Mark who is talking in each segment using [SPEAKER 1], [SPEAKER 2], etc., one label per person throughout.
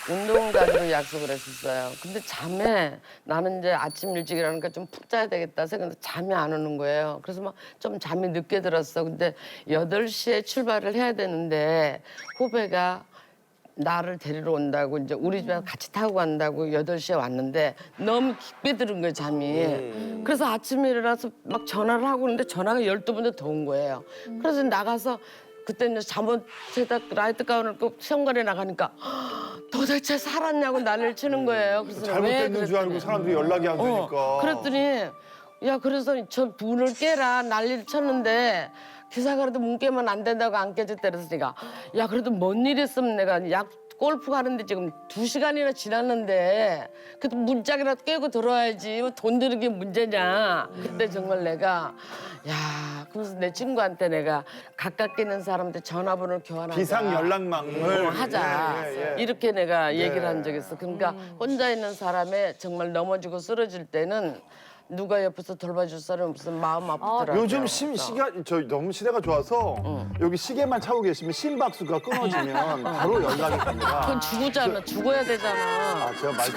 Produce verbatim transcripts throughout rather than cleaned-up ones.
[SPEAKER 1] 운동을 가기로 약속을 했었어요. 근데 잠에 나는 이제 아침 일찍 일어나니까 좀 푹 자야 되겠다 생각해서 잠이 안 오는 거예요. 그래서 막 좀 잠이 늦게 들었어. 근데 여덟 시에 출발을 해야 되는데 후배가 나를 데리러 온다고 이제 우리 집에 같이 타고 간다고 여덟 시에 왔는데 너무 깊게 들은 거예요, 잠이. 그래서 아침에 일어나서 막 전화를 하고 있는데 전화가 열두 번째 더 온 거예요. 그래서 나가서 그때는 잠옷에다 라이트 가운을 입고 시험관에 나가니까 도대체 살았냐고 난리를 치는 거예요. 그래서
[SPEAKER 2] 잘못됐는 줄 알고 사람들이 연락이 안 되니까.
[SPEAKER 1] 어, 그랬더니 야 그래서 저 문을 깨라 난리를 쳤는데 기사가 그래도 문 깨면 안 된다고 안 깨졌다 그래서 내가 야 그래도 뭔 일 있으면 내가 약 골프 가는데 지금 두 시간이나 지났는데 그래도 문짝이라도 깨고 들어와야지 뭐 돈 드는 게 문제냐. 그때 정말 내가 야 그래서 내 친구한테 내가 가깝게 있는 사람한테 전화번호를 교환하자.
[SPEAKER 2] 비상 연락망을
[SPEAKER 1] 어, 하자.
[SPEAKER 2] 예, 예, 예.
[SPEAKER 1] 이렇게 내가 얘기를
[SPEAKER 2] 네.
[SPEAKER 1] 한 적이 있어. 그러니까 혼자 있는 사람에 정말 넘어지고 쓰러질 때는 누가 옆에서 돌봐줄 사람이 없으면 마음 아프더라고요.
[SPEAKER 2] 요즘 심 시가 저 너무 시대가 좋아서 여기 시계만 차고 계시면 심박수가 끊어지면 바로 연락이 갑니다.
[SPEAKER 1] 그건 죽었잖아. 죽어야 되잖아.
[SPEAKER 2] 아 제가 말씀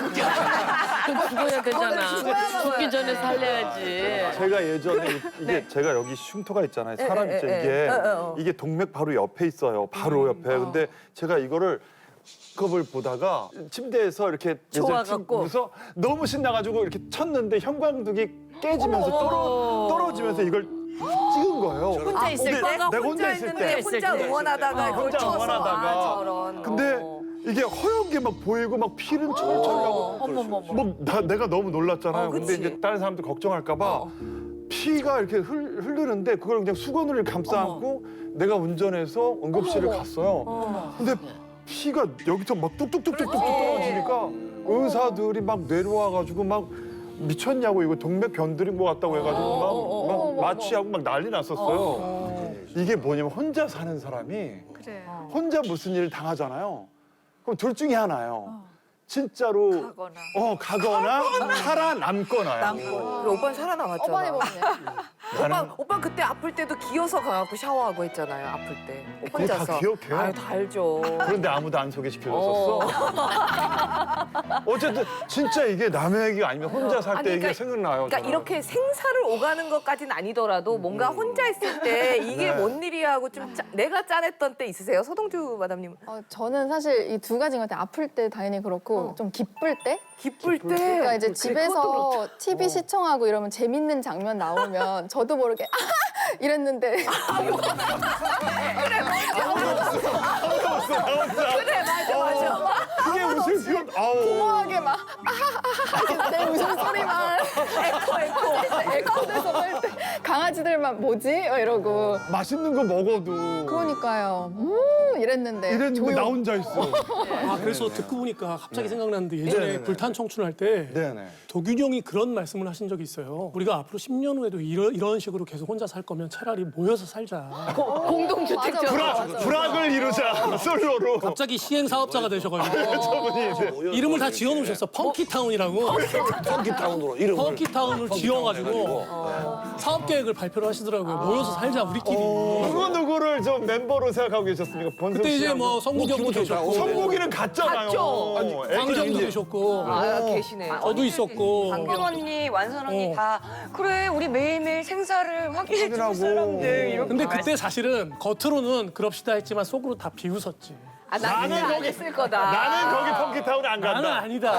[SPEAKER 1] 그건 죽어야 되잖아. 죽기 전에 살려야지.
[SPEAKER 2] 제가 예전에 이게 제가 여기 흉터가 있잖아요. 사람 있죠 이게 이게 동맥 바로 옆에 있어요. 바로 옆에. 근데 제가 이거를 급을 보다가 침대에서 이렇게
[SPEAKER 3] 좋아갖고.
[SPEAKER 2] 그래서 너무 신나가지고 이렇게 쳤는데 형광등이 깨지면서 떨어, 떨어지면서 이걸 찍은 거예요.
[SPEAKER 3] 혼자 있을
[SPEAKER 2] 근데
[SPEAKER 3] 때?
[SPEAKER 2] 내가 혼자 있을 때.
[SPEAKER 3] 혼자 응원하다가 그걸
[SPEAKER 2] 혼자
[SPEAKER 3] 쳐서
[SPEAKER 2] 응원하다가.
[SPEAKER 3] 아, 저런.
[SPEAKER 2] 근데
[SPEAKER 3] 어.
[SPEAKER 2] 이게 허연 게 막 보이고 막 피는 철철 나고
[SPEAKER 3] 어머머머.
[SPEAKER 2] 뭐 나, 내가 너무 놀랐잖아요.
[SPEAKER 3] 어,
[SPEAKER 2] 근데
[SPEAKER 3] 그치.
[SPEAKER 2] 이제 다른 사람들 걱정할까 봐
[SPEAKER 3] 어.
[SPEAKER 2] 피가 이렇게 흘, 흐르는데 그걸 그냥 수건을 감싸 안고 내가 운전해서 응급실을 갔어요. 근데 피가 여기서 막 뚝뚝뚝뚝뚝 떨어지니까 의사들이 막 내려와가지고 막 미쳤냐고 이거 동맥 변들인 것 같다고 해가지고 막, 막 마취하고 막 난리 났었어요. 이게 뭐냐면 혼자 사는 사람이
[SPEAKER 4] 그래.
[SPEAKER 2] 혼자 무슨 일을 당하잖아요. 그럼 둘 중에 하나예요. 진짜로
[SPEAKER 3] 가거나.
[SPEAKER 2] 어 가거나 살아남거나요.
[SPEAKER 3] 남고. 오빠는 살아남았잖아.
[SPEAKER 4] 어머니 보네.
[SPEAKER 3] 오빠, 오빠 그때 아플 때도 기어서 가갖고 샤워하고 했잖아요. 아플 때.
[SPEAKER 2] 그거 다
[SPEAKER 3] 혼자서.
[SPEAKER 2] 기억해요?
[SPEAKER 3] 아유, 다 알죠.
[SPEAKER 2] 그런데 아무도 안 소개시켜줬었어. 어쨌든 진짜 이게 남의 얘기가 아니면 혼자 살 때
[SPEAKER 3] 아니,
[SPEAKER 2] 이게
[SPEAKER 3] 그러니까-
[SPEAKER 2] 생각나요.
[SPEAKER 3] 그러니까
[SPEAKER 2] 저는.
[SPEAKER 3] 이렇게 생사를 오가는 것까지는 아니더라도 뭔가 혼자 있을 때 이게
[SPEAKER 2] 네.
[SPEAKER 3] 뭔 일이야 하고 좀 짜, 내가 짠했던 때 있으세요? 서동주 마담님.
[SPEAKER 4] 어, 저는 사실 이 두 가지인 것 같아요. 아플 때 당연히 그렇고 좀 기쁠 때?
[SPEAKER 3] 기쁠 때.
[SPEAKER 4] 그러니까 이제
[SPEAKER 3] 그래, 그것도
[SPEAKER 4] 집에서
[SPEAKER 3] 그렇죠.
[SPEAKER 4] 티비 시청하고 이러면 재밌는 장면 나오면 저도 모르게 아 이랬는데
[SPEAKER 3] 그래, 맞아, 맞아.
[SPEAKER 2] 그게 웃을 필요 아우.
[SPEAKER 4] 공허하게 막 아하하하 내 웃음소리만
[SPEAKER 3] 에코, 에코.
[SPEAKER 4] 에코돼서 할 때 강아지들만 뭐지? 막 이러고
[SPEAKER 2] 맛있는 거 먹어도
[SPEAKER 4] 그러니까요. 음 이랬는데
[SPEAKER 2] 이랬는데
[SPEAKER 4] 조용.
[SPEAKER 2] 나 혼자 있어.
[SPEAKER 5] 아 그래서 듣고 보니까 갑자기 생각났는데 예전에
[SPEAKER 2] 네네네.
[SPEAKER 5] 불탄 청춘 할 때
[SPEAKER 2] 네네.
[SPEAKER 5] 도균형이 그런 말씀을 하신 적이 있어요. 우리가 앞으로 십 년 후에도 이런 이런 식으로 계속 혼자 살 거면 차라리 모여서 살자.
[SPEAKER 3] 공동주택자.
[SPEAKER 4] 맞아, 맞아.
[SPEAKER 2] 불악을 이루자 솔로로.
[SPEAKER 5] 갑자기 시행 사업자가 되셔가지고
[SPEAKER 2] 저분이 이제
[SPEAKER 5] 이름을 다 지어놓으셨어. 펑키타운이라고.
[SPEAKER 6] 펑키타운으로 이름을
[SPEAKER 5] 펑키타운을 지어가지고 사업 계획을 발표를 하시더라고요. 모여서 살자 우리끼리.
[SPEAKER 2] 누구 누구를 좀 멤버로 생각하고 계셨습니까? 번석
[SPEAKER 5] 그때 이제
[SPEAKER 2] 씨하고.
[SPEAKER 5] 뭐 성국형도 계셨고
[SPEAKER 2] 성국이는 갔잖아요.
[SPEAKER 3] 갔죠.
[SPEAKER 2] 아니,
[SPEAKER 5] 광정도 계셨고
[SPEAKER 3] 아, 계시네.
[SPEAKER 5] 저도 있었고
[SPEAKER 7] 강경 언니, 완선 언니
[SPEAKER 5] 어.
[SPEAKER 7] 다 그래 우리 매일매일 생사를 확인해 줄
[SPEAKER 2] 확인하고.
[SPEAKER 7] 사람들 이렇게
[SPEAKER 5] 근데 그때 사실은 겉으로는 그럽시다 했지만 속으로 다 비웃었지.
[SPEAKER 3] 아, 나는
[SPEAKER 2] 나는
[SPEAKER 3] 안
[SPEAKER 2] 거기-
[SPEAKER 3] 했을 거다.
[SPEAKER 2] 나는 거기 펑키타운 안 간다.
[SPEAKER 5] 나는 아니다.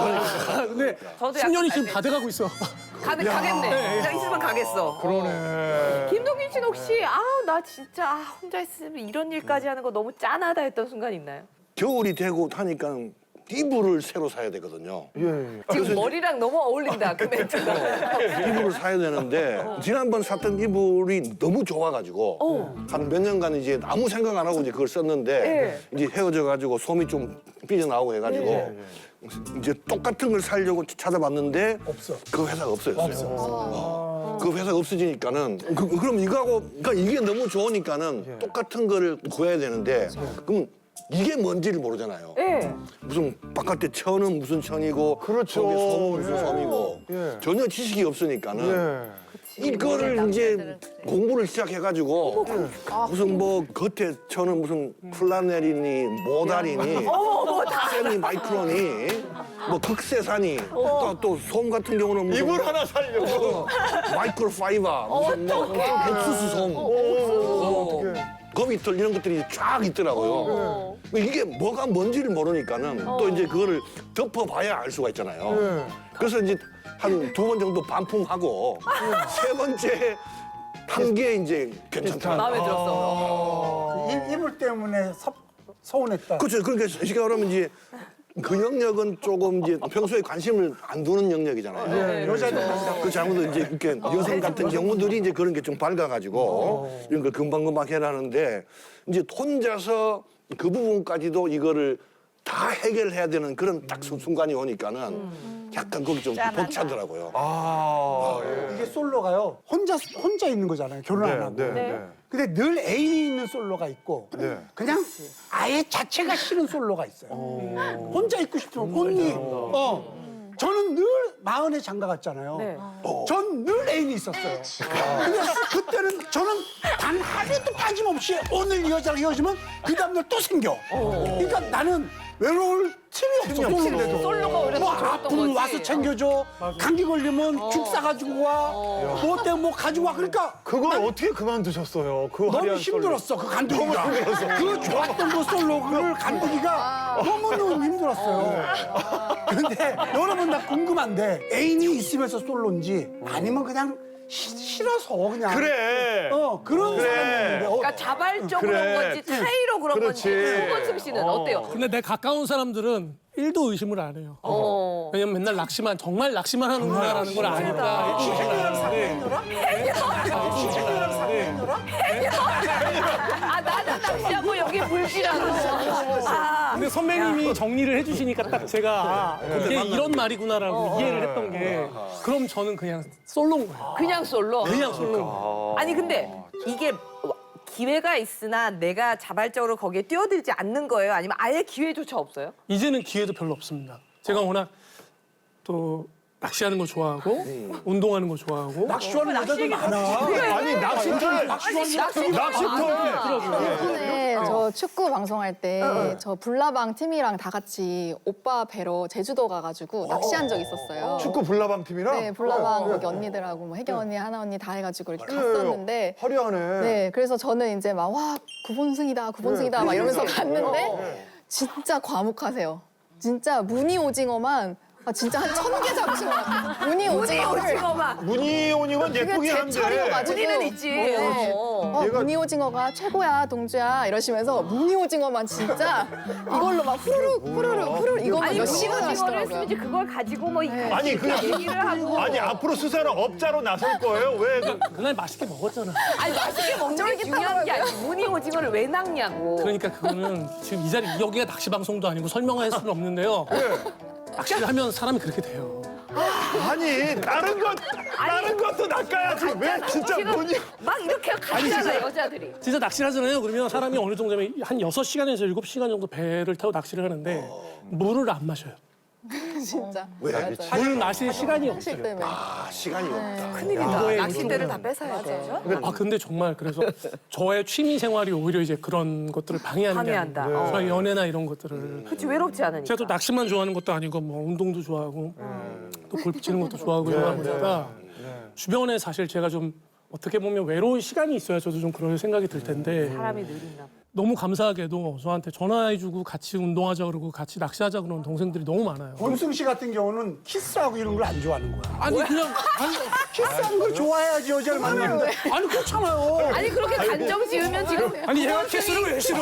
[SPEAKER 5] 근데
[SPEAKER 7] 저도
[SPEAKER 5] 십 년이
[SPEAKER 7] 약간
[SPEAKER 5] 지금 다 돼가고 있어.
[SPEAKER 3] 가, 가겠네. 나 있으면 가겠어.
[SPEAKER 2] 그러네.
[SPEAKER 3] 김동균 씨는 혹시 아우 나 진짜 아, 혼자 있으면 이런 일까지 하는 거 너무 짠하다 했던 순간 있나요?
[SPEAKER 6] 겨울이 되고 하니까 이불을 새로 사야 되거든요.
[SPEAKER 2] 예, 예.
[SPEAKER 3] 지금 머리랑 너무 어울린다 그 멘트가.
[SPEAKER 6] 이불을 사야 되는데 지난번 샀던 이불이 너무 좋아가지고 한 몇 년간 이제 아무 생각 안 하고 이제 그걸 썼는데 이제 헤어져가지고 솜이 좀 삐져나오고 해가지고 이제 똑같은 걸 사려고 찾아봤는데 없어. 그 회사가 없어요. 없어. 어. 그 회사가 없어지니까는 그, 그럼 이거하고 그러니까 이게 너무 좋으니까는 똑같은 거를 구해야 되는데 그럼 이게 뭔지를 모르잖아요.
[SPEAKER 3] 예.
[SPEAKER 6] 무슨 바깥에 천은 무슨 천이고
[SPEAKER 2] 그렇죠.
[SPEAKER 6] 속에 솜은 무슨
[SPEAKER 2] 예.
[SPEAKER 6] 솜이고
[SPEAKER 2] 예.
[SPEAKER 6] 전혀 지식이 없으니까는
[SPEAKER 2] 예.
[SPEAKER 6] 이거를 이제 공부를 시작해가지고 무슨 뭐 겉에 천은 무슨 플라넬이니 모달이니
[SPEAKER 3] 어머 다
[SPEAKER 6] 세미 마이크론이 뭐 극세산이 또 또 솜 같은 경우는 무슨
[SPEAKER 2] 이불 하나 살려고.
[SPEAKER 6] 마이크로 파이버 무슨 뭐 옥수수 솜
[SPEAKER 2] 오, 어떡해.
[SPEAKER 6] 거미털 이런 것들이 쫙 있더라고요. 이게 뭐가 뭔지를 모르니까는 또 이제 그거를 덮어봐야 알 수가 있잖아요.
[SPEAKER 2] 네.
[SPEAKER 6] 그래서 이제 한 두 번 정도 반품하고 세 번째 한 게 이제 괜찮다.
[SPEAKER 3] 마음에 들었어.
[SPEAKER 8] 이, 이불 때문에 섭, 서운했다.
[SPEAKER 6] 그렇죠. 그러니까 쉽게 말하면 이제 그 영역은 조금 이제 평소에 관심을 안 두는 영역이잖아요.
[SPEAKER 8] 네, 여자들
[SPEAKER 6] 그렇지 아무도 이제 이렇게 여성 같은 경우들이 이제 그런 게 좀 밝아가지고 이런 걸 금방금방 해라는데 이제 혼자서 그 부분까지도 이거를 다 해결해야 되는 그런 딱 수- 순간이 오니까는 약간 거기 좀 벅차더라고요.
[SPEAKER 2] 아, 예.
[SPEAKER 8] 이게 솔로가요. 혼자 혼자 있는 거잖아요. 결혼 안
[SPEAKER 2] 네,
[SPEAKER 8] 하고.
[SPEAKER 2] 네, 네.
[SPEAKER 8] 근데 늘 애인이 있는 솔로가 있고
[SPEAKER 2] 네.
[SPEAKER 8] 그냥 아예 자체가 싫은 솔로가 있어요. 혼자 있고 싶으면 혼이. 어. 저는 늘 마흔에 장가 갔잖아요.
[SPEAKER 3] 네.
[SPEAKER 8] 전 늘 애인이 있었어요. 근데 그때는 저는 단 하루도 빠짐없이 오늘 이 여자랑 헤어지면 그 다음날 또 생겨. 그러니까 나는 외로울 틈이 없어. 솔로인데도.
[SPEAKER 3] 솔로가 오히려
[SPEAKER 8] 뭐
[SPEAKER 3] 더 좋았던
[SPEAKER 8] 아프면
[SPEAKER 3] 거지.
[SPEAKER 8] 와서 챙겨줘. 감기 걸리면 죽 싸가지고 와. 뭐 때문에 뭐 가지고 와. 그러니까
[SPEAKER 2] 그걸 어떻게 그만두셨어요? 그
[SPEAKER 8] 너무
[SPEAKER 2] 화려한
[SPEAKER 8] 힘들었어. 그 간두기가. 그 좋았던 그 솔로를 간두기가 너무너무 힘들었어요. 근데 여러분 나 궁금한데 애인이 있으면서 솔로인지 아니면 그냥 시- 싫어서 그냥.
[SPEAKER 2] 그래.
[SPEAKER 8] 어 그런
[SPEAKER 2] 그래.
[SPEAKER 8] 사람인데. 어,
[SPEAKER 3] 그러니까 자발적으로
[SPEAKER 2] 그래.
[SPEAKER 3] 그런 건지 차이로 그런
[SPEAKER 2] 그렇지.
[SPEAKER 3] 건지 홍건승 씨는
[SPEAKER 2] 어.
[SPEAKER 3] 어. 때요
[SPEAKER 5] 근데 내 가까운 사람들은 일도 의심을 안 해요.
[SPEAKER 3] 어.
[SPEAKER 5] 왜냐면 맨날 낚시만 정말 낚시만 하는구나라는 걸 아니까. 일도 의심을 안 하는데.
[SPEAKER 3] 아 나는 낚시하고 여기 물질하고. 아.
[SPEAKER 5] 근데 선배님이 정리를 해주시니까 딱 제가 아, 이게 이런 말이구나라고 이해를 했던 게 그럼 저는 그냥 솔로인 거예요.
[SPEAKER 3] 그냥 솔로.
[SPEAKER 5] 그냥 솔로.
[SPEAKER 3] 아니 근데 이게 기회가 있으나 내가 자발적으로 거기에 뛰어들지 않는 거예요? 아니면 아예 기회조차 없어요?
[SPEAKER 5] 이제는 기회도 별로 없습니다. 제가 워낙 또 낚시하는 거 좋아하고 운동하는 거 좋아하고
[SPEAKER 8] 낚시하는 여자들 많아.
[SPEAKER 2] 아니, 낚시터. 낚시터.
[SPEAKER 4] 예전에 저 축구 방송할 때 저 불나방 팀이랑 다 같이 오빠 뵈러 제주도 가가지고 낚시한 적 있었어요.
[SPEAKER 2] 축구 불나방 팀이랑?
[SPEAKER 4] 네, 불나방 거기 언니들하고 뭐 혜경 언니, 하나 언니 다 해가지고 이렇게
[SPEAKER 2] 예,
[SPEAKER 4] 갔었는데
[SPEAKER 2] 화려하네.
[SPEAKER 4] 네, 그래서 저는 이제 막 와 구본승이다, 구본승이다 막 이러면서 갔는데 진짜 과묵하세요. 진짜 무늬 오징어만 아, 진짜 한 천 개 잡으신 것 같아요. 무늬 오징어를
[SPEAKER 3] 오징어만.
[SPEAKER 2] 무늬오님은
[SPEAKER 4] 그게
[SPEAKER 2] 예쁘긴
[SPEAKER 4] 제
[SPEAKER 2] 한데.
[SPEAKER 4] 철이어가지고
[SPEAKER 3] 무늬는 있지.
[SPEAKER 4] 네.
[SPEAKER 3] 어.
[SPEAKER 4] 어,
[SPEAKER 2] 얘가-
[SPEAKER 4] 무늬 오징어가 최고야 동주야 이러시면서 무늬 오징어만 진짜 이걸로 막 후루룩 후루룩 후루룩 이거만
[SPEAKER 3] 아니
[SPEAKER 4] 몇
[SPEAKER 3] 무늬
[SPEAKER 4] 시간
[SPEAKER 3] 오징어를
[SPEAKER 4] 하시더라고요.
[SPEAKER 3] 했으면 이제 그걸 가지고 뭐
[SPEAKER 2] 아니, 그냥-
[SPEAKER 3] 얘기를 하고.
[SPEAKER 2] 아니, 앞으로 수사는 업자로 나설 거예요? 왜? 그-
[SPEAKER 5] 그날 맛있게 먹었잖아.
[SPEAKER 3] 아니 맛있게 먹는 게 중요한 게 아니고 무늬 오징어를 왜 낚냐고.
[SPEAKER 5] 그러니까 그거는 지금 이 자리 여기가 낚시 방송도 아니고 설명할 수는 없는데요. 낚시를 하면 사람이 그렇게 돼요.
[SPEAKER 2] 아니, 다른 것, 다른 것도 낚아야지. 왜 진짜
[SPEAKER 3] 지금
[SPEAKER 2] 무늬.
[SPEAKER 3] 막 이렇게 가잖아 여자들이.
[SPEAKER 5] 진짜 낚시를 하잖아요. 그러면 사람이 어느 정도면 한 여섯 시간에서 일곱 시간 정도 배를 타고 낚시를 하는데 물을 안 마셔요.
[SPEAKER 4] 진짜
[SPEAKER 6] 왜?
[SPEAKER 5] 물 마실 시간이
[SPEAKER 4] 사실
[SPEAKER 5] 없어요.
[SPEAKER 4] 때문에
[SPEAKER 6] 아 시간이 없다.
[SPEAKER 3] 큰일이다.
[SPEAKER 5] 이거에
[SPEAKER 3] 낚싯대를
[SPEAKER 5] 이쪽은-
[SPEAKER 3] 다 뺏어야 돼.
[SPEAKER 5] 아 근데 정말 그래서 저의 취미 생활이 오히려 이제 그런 것들을 방해하는
[SPEAKER 3] 방해한다.
[SPEAKER 5] 게 아니고
[SPEAKER 3] 어.
[SPEAKER 5] 저의 연애나 이런 것들을
[SPEAKER 3] 그렇지 외롭지 않으니까.
[SPEAKER 5] 제가 또 낚시만 좋아하는 것도 아니고 뭐 운동도 좋아하고 또 골프 치는 것도 좋아하고 이러다 보니까 주변에 사실 제가 좀 어떻게 보면 외로운 시간이 있어야 저도 좀 그런 생각이 들 텐데
[SPEAKER 3] 사람이 느린가.
[SPEAKER 5] 너무 감사하게도 저한테 전화해주고 같이 운동하자 그러고 같이 낚시하자 그러는 동생들이 너무 많아요.
[SPEAKER 8] 권승 씨 같은 경우는 키스하고 이런 걸 안 좋아하는 거야.
[SPEAKER 5] 아니 그냥 아니,
[SPEAKER 8] 키스하는 걸 좋아해야지 여자를 만나는데. 아니 그렇잖아요.
[SPEAKER 3] 아니 그렇게 단정 지으면 지금
[SPEAKER 5] 아니 얘가 키스를 왜 싫어?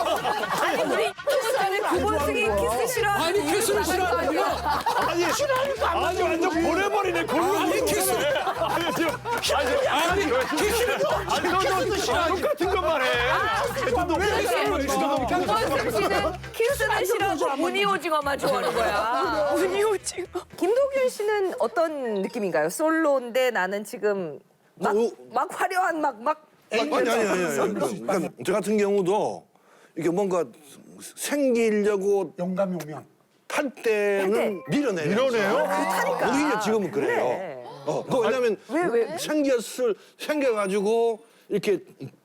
[SPEAKER 3] 아니 우리 때문에 구본승이 키스 싫어.
[SPEAKER 5] 아니 키스를 싫어하는 거야?
[SPEAKER 2] 아니, 아니, 완전 보내버리네. 골로.
[SPEAKER 5] 아니 키스
[SPEAKER 2] 아니, 지금. 아니,
[SPEAKER 5] 아니 키스를
[SPEAKER 2] 아니, 너도 똑같은 것만 해.
[SPEAKER 3] 구본승 씨는 키스는 싫어하고 무늬 오징어만 좋아하는 거야. 무늬 오징어. 김도균 씨는 어떤 느낌인가요? 솔로인데 나는 지금 막,
[SPEAKER 6] 어,
[SPEAKER 3] 막 화려한 막 막.
[SPEAKER 6] 아니 아니 아니. 아니. 그러니까 저 같은 경우도 이게 뭔가 생기려고
[SPEAKER 8] 영감이 오면.
[SPEAKER 6] 탈 때는 밀어내요.
[SPEAKER 2] 밀어내요?
[SPEAKER 6] 아, 오히려 지금은 그래요.
[SPEAKER 3] 그래.
[SPEAKER 6] 어, 그 왜냐면
[SPEAKER 3] 왜, 왜?
[SPEAKER 6] 생겼을 생겨가지고 이렇게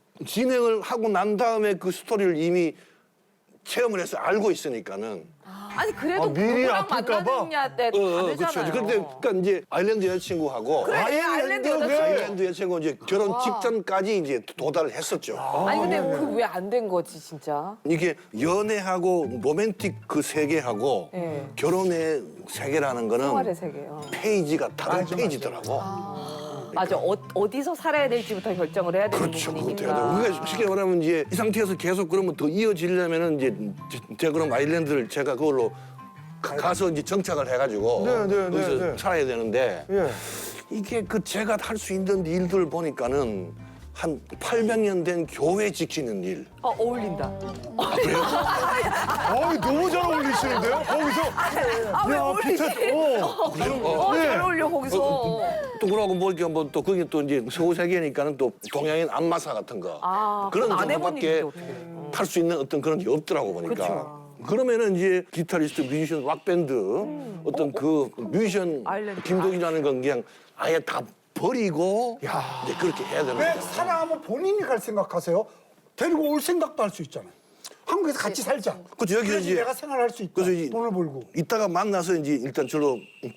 [SPEAKER 6] 진행을 하고 난 다음에 그 스토리를 이미 체험을 해서 알고 있으니까는
[SPEAKER 3] 아니 그래도
[SPEAKER 2] 아, 미리
[SPEAKER 3] 누구랑
[SPEAKER 2] 아플까 봐?
[SPEAKER 3] 만나느냐 때
[SPEAKER 6] 어, 어,
[SPEAKER 3] 다르잖아요.
[SPEAKER 6] 그렇죠. 그런데 그러니까 이제 아일랜드 여자친구하고
[SPEAKER 3] 그래, 아일랜드 여자친구.
[SPEAKER 6] 아일랜드 여자친구 이제 결혼 직전까지 이제 도달을 했었죠.
[SPEAKER 3] 아니 근데 그 왜 안 된 거지 진짜?
[SPEAKER 6] 이게 연애하고 로맨틱 그 세계하고
[SPEAKER 3] 네.
[SPEAKER 6] 결혼의 세계라는 거는
[SPEAKER 3] 생활의 세계요.
[SPEAKER 6] 페이지가 다른 페이지더라고.
[SPEAKER 3] 맞아. 어, 어디서 살아야 될지부터 결정을 해야 되는
[SPEAKER 6] 그렇죠. 그것도 해야
[SPEAKER 3] 부분이니까.
[SPEAKER 6] 되고. 그러니까 쉽게 말하면 이제 이 상태에서 계속 그러면 더 이어지려면은 이제 제- 제가 그럼 아일랜드를 제가 그걸로 가- 가서 이제 정착을 해가지고
[SPEAKER 2] 네, 네, 네,
[SPEAKER 6] 거기서
[SPEAKER 2] 네.
[SPEAKER 6] 살아야 되는데
[SPEAKER 2] 예.
[SPEAKER 6] 이게 그 제가 할 수 있는 일들 보니까는 한 팔백 년 된 교회 지키는 일.
[SPEAKER 3] 어, 어울린다.
[SPEAKER 6] 아, 그래요?
[SPEAKER 2] 어이, 너무 잘 어울리시는데요? 거기서.
[SPEAKER 3] 아, 왜
[SPEAKER 2] 야,
[SPEAKER 3] 어울리지?
[SPEAKER 2] 피터, 어.
[SPEAKER 3] 어,
[SPEAKER 2] 네.
[SPEAKER 3] 잘 어울려 거기서.
[SPEAKER 6] 또 그러고 보니까 뭐또 그게 또 이제 서구 세계니까는 또 동양인 안마사 같은 거
[SPEAKER 3] 아,
[SPEAKER 6] 그런
[SPEAKER 3] 그건 안 해본
[SPEAKER 6] 정도밖에
[SPEAKER 3] 일인데 어떡해.
[SPEAKER 6] 탈 수 있는 어떤 그런 게 없더라고 보니까.
[SPEAKER 3] 그쵸.
[SPEAKER 6] 그러면은 이제 기타리스트, 뮤지션, 락 밴드 어떤 그 뮤지션
[SPEAKER 3] 아일랜드.
[SPEAKER 6] 김동희라는 건 그냥 아예 다 버리고 이제 그렇게 해야 되는
[SPEAKER 8] 왜
[SPEAKER 6] 거죠.
[SPEAKER 8] 사랑하면 본인이 갈 생각하세요? 데리고 올 생각도 할 수 있잖아요. 한국에서 같이 살자.
[SPEAKER 6] 그렇죠. 여기서
[SPEAKER 8] 그래야지
[SPEAKER 6] 이제
[SPEAKER 8] 내가 생활할 수 있다.
[SPEAKER 6] 그래서 이-
[SPEAKER 8] 돈을 벌고.
[SPEAKER 6] 이따가 만나서 이제 일단 저로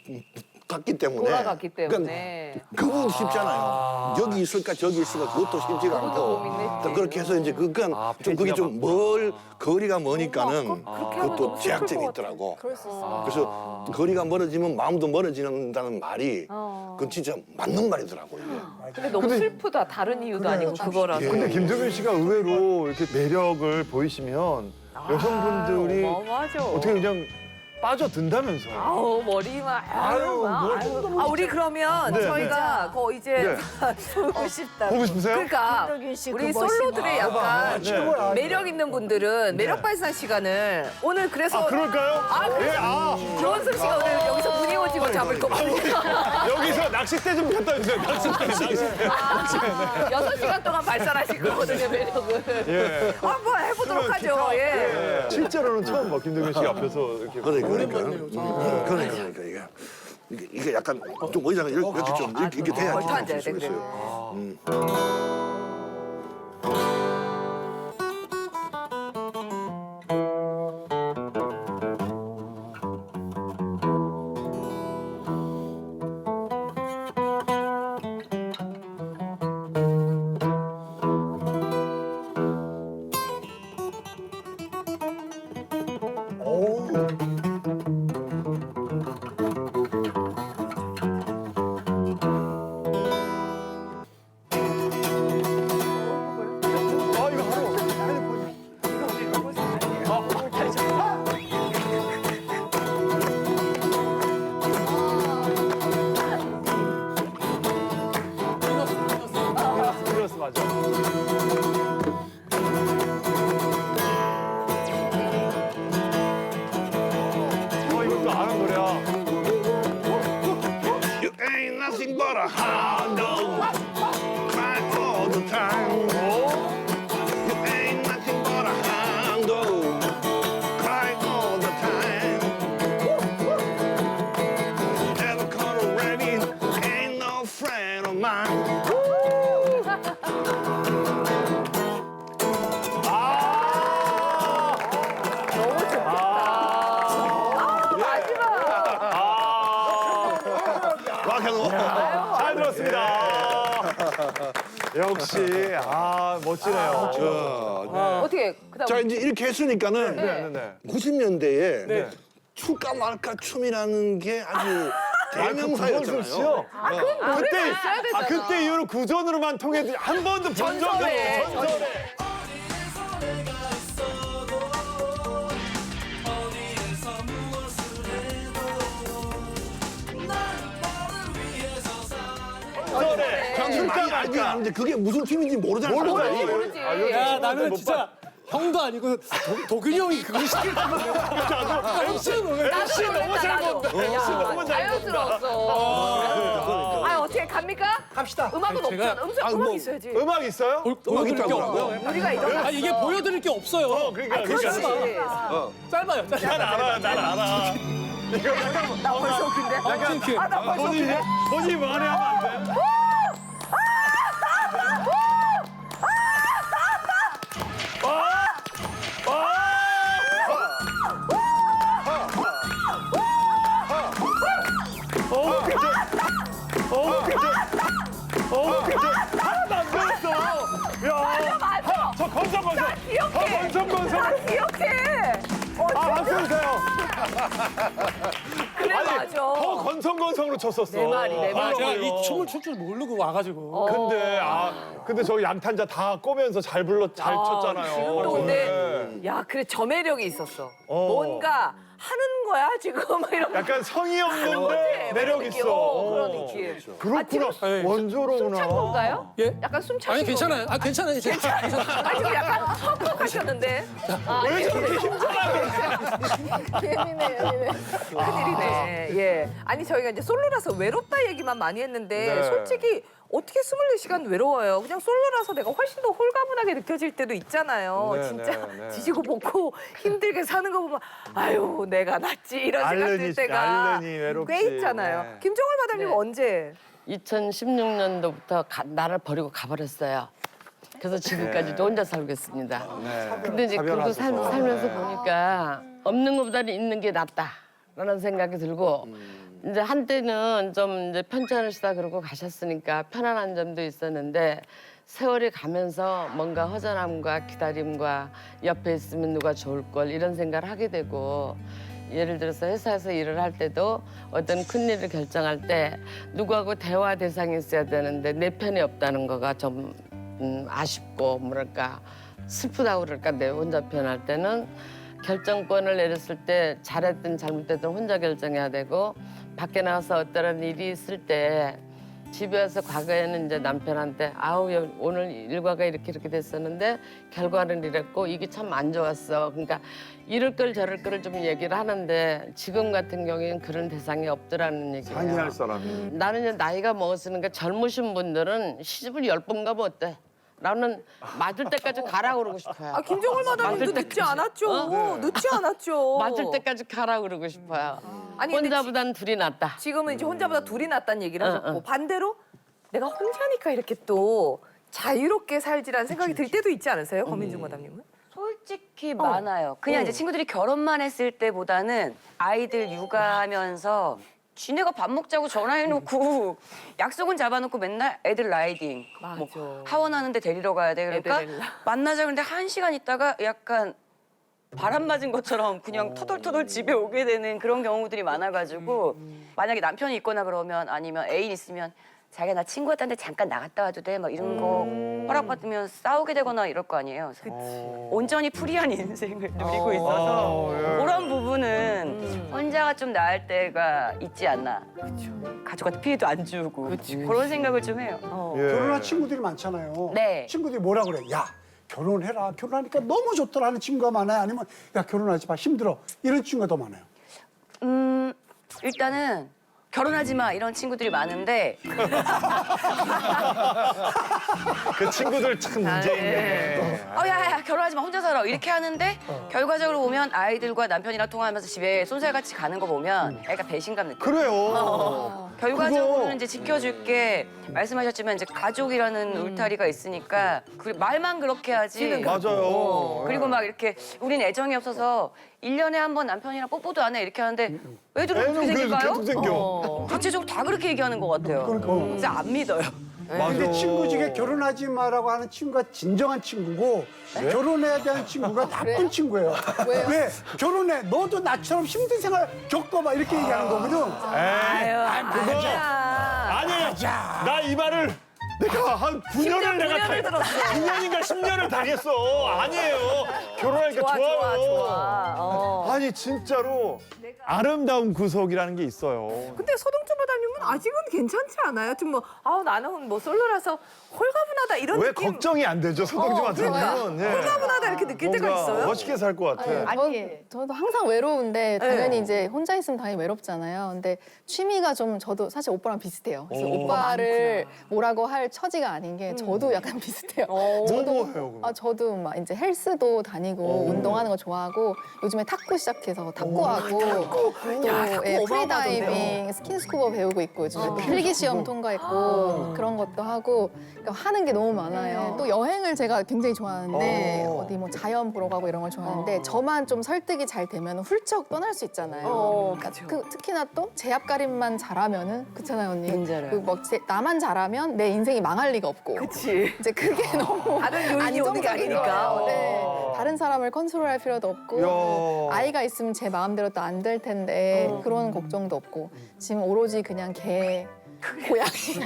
[SPEAKER 6] 갔기 때문에
[SPEAKER 3] 돌아갔기 때문에.
[SPEAKER 6] 그러니까 그분 쉽잖아요. 여기 있을까 저기 있을까 그것도 쉽지가 않고
[SPEAKER 3] 고민했지.
[SPEAKER 6] 또 그렇게 해서 이제 그건 좀 그게 좀 멀 거리가 머니까는 그것도 제약점이 있더라고.
[SPEAKER 4] 그럴 수 있어.
[SPEAKER 6] 그래서 거리가 멀어지면 마음도 멀어진다는 말이 그건 진짜 맞는 말이더라고 이게.
[SPEAKER 3] 근데 너무 슬프다. 다른 이유도 아니고 그거라서.
[SPEAKER 2] 근데 김동현 씨가 의외로 이렇게 매력을 보이시면 여성분들이
[SPEAKER 3] 어마어마하죠.
[SPEAKER 2] 어떻게 그냥 빠져든다면서요.
[SPEAKER 3] 아우 머리만 아유,
[SPEAKER 2] 아유,
[SPEAKER 3] 막,
[SPEAKER 2] 뭘
[SPEAKER 3] 아유. 아 우리 그러면
[SPEAKER 2] 네,
[SPEAKER 3] 저희가 거 이제
[SPEAKER 2] 네.
[SPEAKER 3] 보고 싶다.
[SPEAKER 2] 보고 싶으세요?
[SPEAKER 3] 그러니까
[SPEAKER 7] 김덕윤 씨
[SPEAKER 3] 우리
[SPEAKER 7] 그 멋있는
[SPEAKER 3] 솔로들의 약간
[SPEAKER 2] 네.
[SPEAKER 3] 매력 있는 분들은 매력 발산 시간을 오늘 그래서
[SPEAKER 2] 아, 그럴까요?
[SPEAKER 3] 아,
[SPEAKER 2] 예,
[SPEAKER 3] 그래서
[SPEAKER 2] 아.
[SPEAKER 3] 조원석 씨가 오늘 여기서 무늬 오징어 잡을 거거든요.
[SPEAKER 2] 여기서 낚싯대 좀 갖다 주세요. 낚싯대, 낚싯대.
[SPEAKER 3] 여섯 시간 동안 발산하실 거거든요 매력을.
[SPEAKER 2] 예.
[SPEAKER 3] 한번 해보도록 하죠. 예.
[SPEAKER 2] 예. 실제로는 처음 봐, 김동현 씨 앞에서 이렇게.
[SPEAKER 6] 그래 그러니까 음, 그러니까 그러니까 이게 이게, 이게 약간 좀 의자가 이렇게, 이렇게 좀 이렇게, 이렇게 돼야지
[SPEAKER 3] 아, 앉아야
[SPEAKER 6] 좀
[SPEAKER 3] 돼,
[SPEAKER 6] 수
[SPEAKER 3] 그래.
[SPEAKER 6] 있어요. 음.
[SPEAKER 2] 아, 이거 하루. 핸드폰. 플러스 맞아. 어, 이것도 아는 노래야.
[SPEAKER 6] You ain't nothing but a hound dog, cry all the time. You ain't nothing but a hound dog, cry all the time. Ever caught a rabbit? Ain't no friend of mine. 락앤롤.
[SPEAKER 2] 잘 들었습니다. 역시, 아, 멋지네요.
[SPEAKER 3] 어떻게 그다음
[SPEAKER 6] 자 이제 이렇게 했으니까는
[SPEAKER 2] 네, 네, 네.
[SPEAKER 6] 구십 년대에
[SPEAKER 2] 네.
[SPEAKER 6] 출까 말까 춤이라는 게 아주 대명사였잖아요.
[SPEAKER 2] 그렇죠. 아, 그때, 아, 그때 이후로 구전으로만 통해 한 번도 본 적이
[SPEAKER 3] 전설에,
[SPEAKER 2] 없어요. 전설에. 전설에.
[SPEAKER 6] 당신 많이 알긴 아는데 그게 무슨 팀인지 모르잖아.
[SPEAKER 2] 모르잖아요.
[SPEAKER 3] 모르지.
[SPEAKER 2] 아, 요즘
[SPEAKER 5] 야
[SPEAKER 2] 사람들
[SPEAKER 5] 나는
[SPEAKER 2] 못
[SPEAKER 5] 진짜 형도 아니고 도, 도균이 형이 그걸 시키려고 엠씨는 왜
[SPEAKER 2] 엠씨 너무 잘 본다. 엠씨 너무 잘 본다.
[SPEAKER 3] 자연스러웠어. 아 어떻게 갑니까?
[SPEAKER 8] 갑시다.
[SPEAKER 3] 음악은
[SPEAKER 5] 아니, 제가-
[SPEAKER 3] 없잖아. 음악,
[SPEAKER 6] 아니,
[SPEAKER 3] 음악
[SPEAKER 6] 뭐-
[SPEAKER 3] 있어야지.
[SPEAKER 2] 음악 있어요?
[SPEAKER 5] 보- 보여드릴 게
[SPEAKER 6] 있다더라고요.
[SPEAKER 5] 없고요.
[SPEAKER 3] 우리가 이런
[SPEAKER 5] 아 이게 보여드릴 게 없어요.
[SPEAKER 2] 어, 그러니까,
[SPEAKER 3] 그렇지.
[SPEAKER 2] 그러니까.
[SPEAKER 5] 짧아요. 짧아요.
[SPEAKER 2] 난 알아, 난 알아. 이거 약간
[SPEAKER 3] 나 벌써 웃긴데.
[SPEAKER 5] 아, 킹킹.
[SPEAKER 3] 아, 나 벌써
[SPEAKER 2] 본인이,
[SPEAKER 3] 웃긴데.
[SPEAKER 2] 본인이 뭐하네 하면 안 돼. 건성건성으로.
[SPEAKER 3] 기억해. 어,
[SPEAKER 2] 아, 박수 주세요.
[SPEAKER 3] 그래 맞아.
[SPEAKER 2] 더 건성건성으로 쳤었어.
[SPEAKER 3] 내 말이, 내
[SPEAKER 5] 아,
[SPEAKER 3] 말이.
[SPEAKER 5] 제가 이 춤을 출 줄 모르고 와가지고.
[SPEAKER 2] 근데 아 근데 저 양탄자 다 꼬면서 잘 불러 잘
[SPEAKER 3] 아,
[SPEAKER 2] 쳤잖아요.
[SPEAKER 3] 지금도 근데
[SPEAKER 2] 네.
[SPEAKER 3] 야 그래 저 매력이 있었어.
[SPEAKER 2] 어.
[SPEAKER 3] 뭔가 하는 거야 지금 막 이런.
[SPEAKER 2] 약간 성의 없는데
[SPEAKER 3] 그런
[SPEAKER 2] 매력
[SPEAKER 3] 느낌.
[SPEAKER 2] 있어.
[SPEAKER 3] 어, 그런
[SPEAKER 2] 어.
[SPEAKER 3] 느낌.
[SPEAKER 2] 그렇구나.
[SPEAKER 5] 네.
[SPEAKER 2] 원조로구나.
[SPEAKER 3] 숨찬 건가요?
[SPEAKER 5] 예?
[SPEAKER 3] 약간 숨 차신
[SPEAKER 5] 아니 괜찮아요. 아 괜찮아요. 괜찮아요.
[SPEAKER 3] 아 지금 약간 헉헉하셨는데. 아,
[SPEAKER 2] 왜 저렇게
[SPEAKER 4] 예민해, 예민해.
[SPEAKER 3] 큰일이네. 예. 아니 저희가 이제 솔로라서 외롭다 얘기만 많이 했는데
[SPEAKER 2] 네.
[SPEAKER 3] 솔직히 어떻게 스물네 시간 외로워요. 그냥 솔로라서 내가 훨씬 더 홀가분하게 느껴질 때도 있잖아요.
[SPEAKER 2] 네,
[SPEAKER 3] 진짜
[SPEAKER 2] 네, 네.
[SPEAKER 3] 지지고 볶고 힘들게 사는 거 보면 아유 내가 낫지 이런 생각 들
[SPEAKER 2] 알르니,
[SPEAKER 3] 때가
[SPEAKER 2] 알르니 외롭지.
[SPEAKER 3] 꽤 있잖아요.
[SPEAKER 2] 네.
[SPEAKER 3] 김정월 마담님
[SPEAKER 1] 네.
[SPEAKER 3] 언제?
[SPEAKER 1] 이천십육 년도부터 가, 나를 버리고 가버렸어요. 그래서 지금까지도 혼자 살고 있습니다.
[SPEAKER 2] 네.
[SPEAKER 1] 근데 이제 그러고 살,
[SPEAKER 2] 사별하셔서.
[SPEAKER 1] 살면서
[SPEAKER 2] 네.
[SPEAKER 1] 보니까 없는 것보다는 있는 게 낫다라는 생각이 들고 이제 한때는 좀 이제 편찮으시다 그러고 가셨으니까 편안한 점도 있었는데 세월이 가면서 뭔가 허전함과 기다림과 옆에 있으면 누가 좋을 걸 이런 생각을 하게 되고 예를 들어서 회사에서 일을 할 때도 어떤 큰 일을 결정할 때 누구하고 대화 대상이 있어야 되는데 내 편이 없다는 거가 좀 음, 아쉽고 뭐랄까 슬프다고 그럴까 내 혼자 표현할 때는 결정권을 내렸을 때 잘했든 잘못됐든 혼자 결정해야 되고 밖에 나가서 어떠한 일이 있을 때 집에 와서 과거에는 이제 남편한테 아우 여- 오늘 일과가 이렇게 이렇게 됐었는데 결과는 이랬고 이게 참 안 좋았어. 그러니까 이럴 걸 저럴 거를 좀 얘기를 하는데 지금 같은 경우에는 그런 대상이 없더라는 얘기예요.
[SPEAKER 2] 상의할 사람이.
[SPEAKER 1] 나는 이제 나이가 먹었으니까 젊으신 분들은 시집을 열 번 가면 어때? 나는 맞을 때까지 가라 그러고 싶어요.
[SPEAKER 3] 아 김정월 마담님도
[SPEAKER 1] 맞을
[SPEAKER 3] 늦지 않았죠. 늦지 않았죠.
[SPEAKER 1] 맞을 때까지 가라 그러고 싶어요.
[SPEAKER 3] 아니, 근데
[SPEAKER 1] 혼자보단 둘이 낫다.
[SPEAKER 3] 지금은 이제 혼자보다 둘이 낫다는 얘기를
[SPEAKER 1] 응,
[SPEAKER 3] 하셨고
[SPEAKER 1] 응.
[SPEAKER 3] 반대로 내가 혼자니까 이렇게 또 자유롭게 살지라는 생각이 들 때도 있지 않으세요? 권민중 마담님은?
[SPEAKER 7] 솔직히 많아요. 그냥 이제 친구들이 결혼만 했을 때보다는 아이들 육아하면서 지네가 밥 먹자고 전화해놓고 약속은 잡아놓고 맨날 애들 라이딩, 뭐
[SPEAKER 3] 맞아.
[SPEAKER 7] 하원하는데 데리러 가야 돼. 그러니까
[SPEAKER 3] 애들 데리러.
[SPEAKER 7] 만나자 그런데 한 시간 있다가 약간 바람 맞은 것처럼 그냥 터덜터덜 집에 오게 되는 그런 경우들이 많아가지고 만약에 남편이 있거나 그러면 아니면 애인 있으면 자기가 나 친구한테 잠깐 나갔다 와도 돼? 막 이런 거 허락받으면 싸우게 되거나 이럴 거 아니에요. 그래서 온전히 프리한 인생을 누리고 있어서
[SPEAKER 2] 어, 예.
[SPEAKER 7] 그런 부분은 혼자가 좀 나을 때가 있지 않나. 가족한테 피해도 안 주고 그런 생각을 좀 해요.
[SPEAKER 3] 어.
[SPEAKER 2] 예.
[SPEAKER 8] 결혼한 친구들이 많잖아요.
[SPEAKER 7] 네.
[SPEAKER 8] 친구들이 뭐라 그래? 야 결혼해라. 결혼하니까 너무 좋더라 하는 친구가 많아요. 아니면 야 결혼하지 마 힘들어 이런 친구가 더 많아요.
[SPEAKER 7] 음 일단은 결혼하지 마 이런 친구들이 많은데
[SPEAKER 2] 그 친구들 참 문제 있네.
[SPEAKER 7] 어, 야, 야, 결혼하지 마, 혼자 살아. 이렇게 하는데, 결과적으로 보면 아이들과 남편이랑 통화하면서 집에 쏜살같이 가는 거 보면 애가 배신감 느껴요.
[SPEAKER 2] 그래요.
[SPEAKER 7] 결과적으로는
[SPEAKER 2] 그거-
[SPEAKER 7] 이제 지켜줄게. 말씀하셨지만 이제 가족이라는 울타리가 있으니까 그 말만 그렇게 하지.
[SPEAKER 2] 맞아요.
[SPEAKER 7] 그리고 막 이렇게 우린 애정이 없어서 일 년에 한 번 남편이랑 뽀뽀도 안 해 이렇게 하는데 애들은 어떻게
[SPEAKER 2] 애는 그래서
[SPEAKER 7] 생길까요?
[SPEAKER 2] 계속 생겨.
[SPEAKER 7] 대체적으로 다 그렇게 얘기하는 것 같아요.
[SPEAKER 8] 그러니까.
[SPEAKER 7] 그래서 안 믿어요.
[SPEAKER 2] 맞아.
[SPEAKER 8] 근데 친구 중에 결혼하지 마라고 하는 친구가 진정한 친구고 결혼해야 되는 친구가 나쁜 친구예요.
[SPEAKER 4] 왜요?
[SPEAKER 8] 왜? 결혼해. 너도 나처럼 힘든 생활 겪어봐. 이렇게 얘기하는 거거든.
[SPEAKER 2] 에이,
[SPEAKER 3] 그거
[SPEAKER 2] 아니, 나 이 말을 내가 한 구 년을 내가
[SPEAKER 3] 구 년을 들었어.
[SPEAKER 2] 구 년인가 십 년을 당했어. 아니에요. 결혼하니까
[SPEAKER 3] 좋아
[SPEAKER 2] 좋아요.
[SPEAKER 3] 좋아 좋아. 어.
[SPEAKER 2] 아니 진짜로 아름다운 구석이라는 게 있어요.
[SPEAKER 3] 근데 서동철 마담님은 아직은 괜찮지 않아요? 좀 뭐 아우 나는 뭐 솔로라서 홀가분하다 이런
[SPEAKER 2] 왜
[SPEAKER 3] 느낌.
[SPEAKER 2] 걱정이 안 되죠, 서동진한테는. 예.
[SPEAKER 3] 홀가분하다 이렇게 느낄 때가
[SPEAKER 2] 뭔가
[SPEAKER 3] 있어요?
[SPEAKER 2] 멋있게 살 것 같아.
[SPEAKER 4] 저, 저도 항상 외로운데 당연히
[SPEAKER 3] 네.
[SPEAKER 4] 이제 혼자 있으면 당연히 외롭잖아요. 근데 취미가 좀 저도 사실 오빠랑 비슷해요. 그래서
[SPEAKER 2] 오.
[SPEAKER 4] 오빠를 뭐라고 할 처지가 아닌 게 저도 약간 비슷해요.
[SPEAKER 2] 뭐 뭐 해요, 그럼?
[SPEAKER 4] 아 저도 막 이제 헬스도 다니고 운동하는 거 좋아하고 요즘에 탁구 시작해서 탁구하고 또 예, 프리다이빙, 스킨스쿠버 배우고 있고 요즘에 필기 시험 통과했고 그런 것도 하고 그러니까 하는 게 너무 많아요. 또 여행을 제가 굉장히 좋아하는데
[SPEAKER 2] 어.
[SPEAKER 4] 어디 뭐 자연 보러 가고 이런 걸 좋아하는데 저만 좀 설득이 잘 되면 훌쩍 떠날 수 있잖아요.
[SPEAKER 3] 어,
[SPEAKER 4] 그러니까 그, 특히나 또 제 앞가림만 잘하면은 그렇잖아요 언니.
[SPEAKER 7] 괜찮아요.
[SPEAKER 4] 그 뭐 제- 나만 잘하면 내 인생이 망할 리가 없고.
[SPEAKER 3] 그치.
[SPEAKER 4] 이제 그게 너무
[SPEAKER 3] 다른 요인이 오는 게
[SPEAKER 4] 안정적인
[SPEAKER 3] 아니니까.
[SPEAKER 4] 거예요. 네.
[SPEAKER 3] 어.
[SPEAKER 4] 다른 사람을 컨트롤할 필요도 없고
[SPEAKER 2] 야.
[SPEAKER 4] 또 아이가 있으면 제 마음대로 또 안 될 텐데
[SPEAKER 2] 어.
[SPEAKER 4] 그런 걱정도 없고 지금 오로지 그냥 개 고양이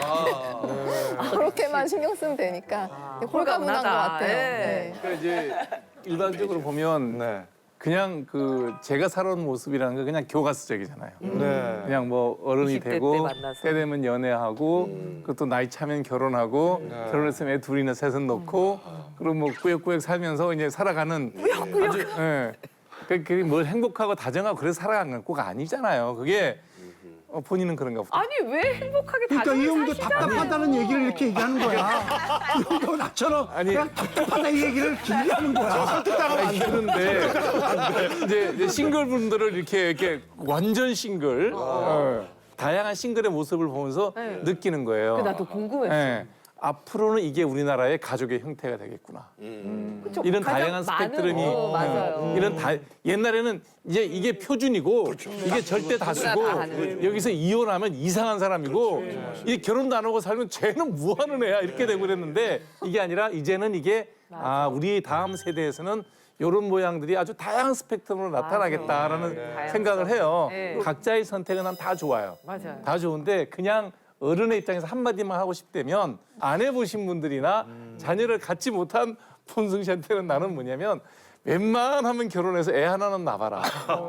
[SPEAKER 4] 그렇게만 신경 쓰면 되니까 되게 홀가분한 것 같아요. 네.
[SPEAKER 9] 그러니까 이제 일반적으로 보면
[SPEAKER 2] 네.
[SPEAKER 9] 그냥 그 제가 살아온 모습이라는 게 그냥 교과서적이잖아요.
[SPEAKER 2] 네.
[SPEAKER 9] 그냥 뭐 어른이
[SPEAKER 3] 이십 대
[SPEAKER 9] 되고
[SPEAKER 3] 때 만나서.
[SPEAKER 9] 때 되면 연애하고 그것도 나이 차면 결혼하고
[SPEAKER 2] 네.
[SPEAKER 9] 결혼했으면 애 둘이나 셋은 놓고 그리고 뭐 꾸역꾸역 살면서 이제 살아가는 아주 예. 그- 그게 뭘 행복하고 다정하고 그래서 살아가는 거가 아니잖아요. 그게 어, 본인은 그런가 보다.
[SPEAKER 3] 아니 왜 행복하게
[SPEAKER 8] 그러니까 이
[SPEAKER 3] 다정히
[SPEAKER 8] 형도
[SPEAKER 3] 사시잖아요.
[SPEAKER 8] 답답하다는 얘기를 이렇게 얘기하는 거야. 이 형도 나처럼
[SPEAKER 9] 아니.
[SPEAKER 8] 그냥 답답하다 이 얘기를 길게 하는 거야.
[SPEAKER 9] 아니, 그런데 이제, 이제 싱글분들을 이렇게 이렇게 완전 싱글 어, 다양한 싱글의 모습을 보면서 느끼는 거예요.
[SPEAKER 3] 나도 궁금했어.
[SPEAKER 9] 예. 앞으로는 이게 우리나라의 가족의 형태가 되겠구나.
[SPEAKER 3] 그쵸?
[SPEAKER 9] 이런
[SPEAKER 3] 가장
[SPEAKER 9] 다양한 스펙트럼이
[SPEAKER 3] 많은- 어, 맞아요.
[SPEAKER 9] 어, 이런 다 옛날에는 이제 이게 표준이고 이게 절대 다수고
[SPEAKER 3] 다 하는.
[SPEAKER 9] 여기서 이혼하면 이상한 사람이고 이 결혼도 안 하고 살면 쟤는 뭐 하는 애야 이렇게 되고 그랬는데 이게 아니라 이제는 이게 아 우리 다음 세대에서는 이런 모양들이 아주 다양한 스펙트럼으로 나타나겠다라는 생각을 해요.
[SPEAKER 3] 네.
[SPEAKER 9] 각자의 선택은 난 다 좋아요.
[SPEAKER 3] 맞아요.
[SPEAKER 9] 다 좋은데 그냥 어른의 입장에서 한마디만 하고 싶다면 안 해보신 분들이나 자녀를 갖지 못한 본승 씨한테는 나는 뭐냐면 웬만하면 결혼해서 애 하나는 낳아라.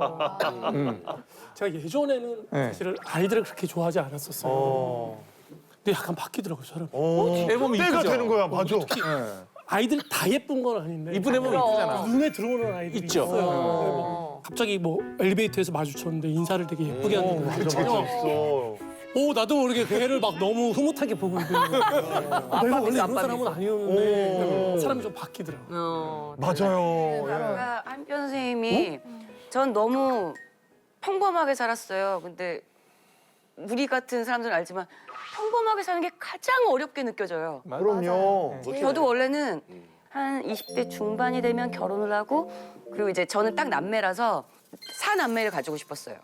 [SPEAKER 9] 음.
[SPEAKER 5] 제가 예전에는
[SPEAKER 9] 네.
[SPEAKER 5] 사실은 아이들을 그렇게 좋아하지 않았었어요.
[SPEAKER 2] 어.
[SPEAKER 5] 근데 약간 바뀌더라고요, 사람.
[SPEAKER 2] 어.
[SPEAKER 9] 애 보면
[SPEAKER 2] 때가
[SPEAKER 9] 이쁘죠?
[SPEAKER 2] 되는 거야, 맞아.
[SPEAKER 9] 예.
[SPEAKER 5] 아이들 다 예쁜 건 아닌데
[SPEAKER 9] 이쁜 애 보면 이쁘잖아.
[SPEAKER 5] 눈에 들어오는 아이들이
[SPEAKER 9] 있죠.
[SPEAKER 5] 있어요. 그래서 뭐 갑자기 뭐 엘리베이터에서 마주쳤는데 인사를 되게 예쁘게 하는 거
[SPEAKER 2] 맞아, 맞아, 있어.
[SPEAKER 5] 오 나도 모르게 그 애를 막 너무 흐뭇하게 보고 있고 내가 원래 이런 사람은 아니었는데 사람이 좀 바뀌더라고요.
[SPEAKER 3] 어,
[SPEAKER 2] 맞아요. 예.
[SPEAKER 7] 제가 한편 선생님이 전 너무 평범하게 살았어요. 근데 우리 같은 사람들은 알지만 평범하게 사는 게 가장 어렵게 느껴져요.
[SPEAKER 2] 그럼요.
[SPEAKER 7] 저도 원래는 한 이십 대 중반이 되면 결혼을 하고 그리고 이제 저는 딱 남매라서 사남매를 가지고 싶었어요.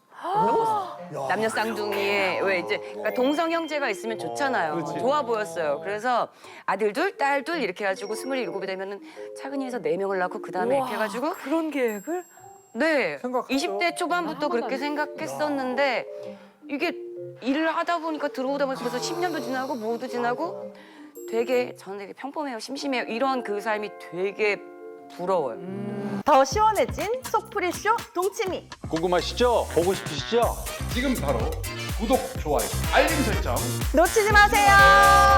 [SPEAKER 7] 남녀 쌍둥이에 왜 이제 그러니까 동성 형제가 있으면 좋잖아요. 좋아 보였어요. 그래서 아들 둘, 딸 둘 이렇게 해가지고 스물일곱이 되면은 차근히 해서 네 명을 낳고 그 다음에 이렇게 해가지고
[SPEAKER 3] 그런 계획을?
[SPEAKER 7] 네
[SPEAKER 9] 생각하죠.
[SPEAKER 7] 이십 대 초반부터 그렇게 생각했었는데 이게 일을 하다 보니까 들어오다 보니까 벌써 십 년도 지나고 뭐도 지나고 되게 저는 되게 평범해요, 심심해요 이런 그 삶이 되게 부러워요.
[SPEAKER 10] 더 시원해진 속풀이쇼 동치미.
[SPEAKER 11] 궁금하시죠? 보고 싶으시죠? 지금 바로 구독, 좋아요, 알림 설정
[SPEAKER 10] 놓치지 마세요.